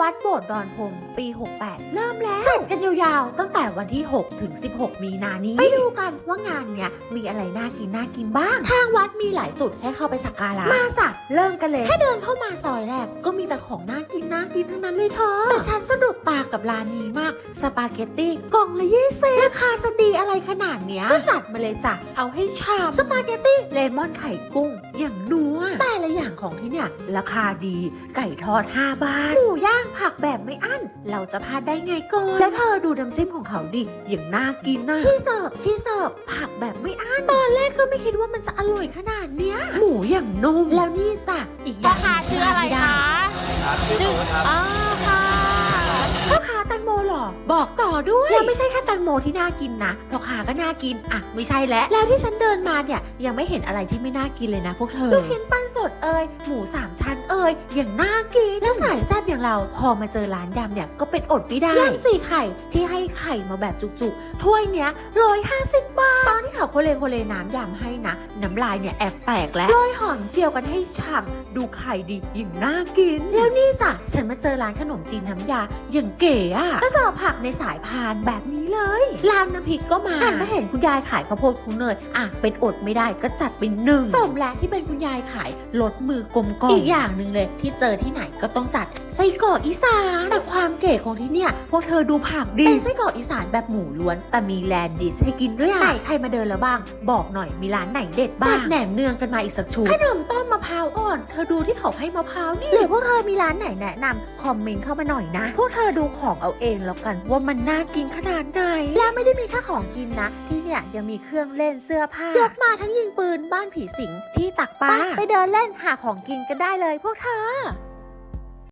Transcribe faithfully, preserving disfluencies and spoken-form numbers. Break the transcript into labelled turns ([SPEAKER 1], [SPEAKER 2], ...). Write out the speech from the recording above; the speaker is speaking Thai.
[SPEAKER 1] วัดโบสถ์ดอนพงปีหกแปดเริ่มแล้วจัดกันยาวๆตั้งแต่วันที่หกถึงสิบหกมีนานี้ไปดูกันว่างานเนี้ยมีอะไรน่ากินน่ากินบ้างทางวัดมีหลายจุดให้เข้าไปสักการะมาจ้ะเริ่มกันเลยแค่เดินเข้ามาซอยแรกก็มีแต่ของน่ากินน่ากินทั้งนั้นเลยเธอแต่ฉันสะดุดตากับร้านนี้มากสปาเกตตี้กล่องละยี่สิบราคาจะดีอะไรขนาดเนี้ยก็จัดมาเลยจ้ะเอาให้ชามสปาเกตตี้เลมอนไข่กุ้งอย่างนัวแต่ละอย่างของที่เนี่ยราคาดีไก่ทอดห้าบาทหมูย่างผักแบบไม่อั้นเราจะพลาดได้ไงก่อนแล้วเธอดูน้ำจิ้มของเขาดิอย่างน่ากินนะชีเสิร์ฟชีเสิร์ฟผักแบบไม่อั้นตอนแรกก็ไม่คิดว่ามันจะอร่อยขนาดเนี้ยหมูอย่างนุ่มแล้วนี่จ้ะอีกอย่าง
[SPEAKER 2] พ่อค้าชื่ออะไรคะชื่ออ๋อค่ะ
[SPEAKER 1] พ่อค้าแตงโมหรอบอกต่อด้วยแล้วไม่ใช่แค่แตงโมที่น่ากินนะพ่อค้าก็น่ากินอ่ะไม่ใช่แล้วแล้วที่ฉันเดินมาเนี่ยยังไม่เห็นอะไรที่ไม่น่ากินเลยนะพวกเธอลูกชิ้นปั้นสดเอ่ยหมูสามชั้นเอ่ยอย่างน่ากินแล้วสายแซ่บอย่างเราพอมาเจอร้านยำเนี่ยก็เป็นอดไม่ได้ยำสี่ไข่ที่ให้ไข่มาแบบจุกๆถ้วยเนี้ยร้อยห้าสิบบาทตอนที่เขาโคเลโคเลน้ำยำให้นะน้ำลายเนี่ยแอบแตกแล้วโรยหอมเจียวกันให้ฉ่ำดูไข่ดีอย่างน่ากินแล้วนี่จ้ะฉันมาเจอร้านขนมจีนน้ำยาอย่างเก๋อะก็เสิร์ฟผักในสายพานแบบนี้เลยร้านน้ำพริกก็มาหันมาเห็นคุณยายขายข้าวโพดคุ้งเนยอ่ะเป็นอดไม่ได้ก็จัดเป็นหนึ่งสมแล้วที่เป็นคุณยายขายลดมือกลมกล่อมอีกอย่างหนึ่งเลยที่เจอที่ไหนก็ต้องจัดไส้กรอกอีสานแต่ความเก๋ของที่เนี่ยพวกเธอดูผักดีเป็นไส้กรอกอีสานแบบหมูล้วนแต่มีแลนดิชให้กินด้วยอ่ะไหนใครมาเดินแล้วบ้างบอกหน่อยมีร้านไหนเด็ดบ้างแหนมเนืองกันมาอีกสักชุดขนมต้มมะพร้าวอ่อนเธอดูที่เขาให้มะพร้าวนี่หรือพวกเธอมีร้านไหนแนะนำคอมเมนต์เข้ามาหน่อยนะพวกเธอดูของเอาเองแล้วกันว่ามันน่ากินขนาดไหนแล้วไม่ได้มีแค่ของกินนะที่เนี่ยยังมีเครื่องเล่นเสื้อผ้ายกมาทั้งยิงปืนบ้านผีสิงที่ตักปลาไปเดินเล่นหาของกินกันได้เลยพวกเธอ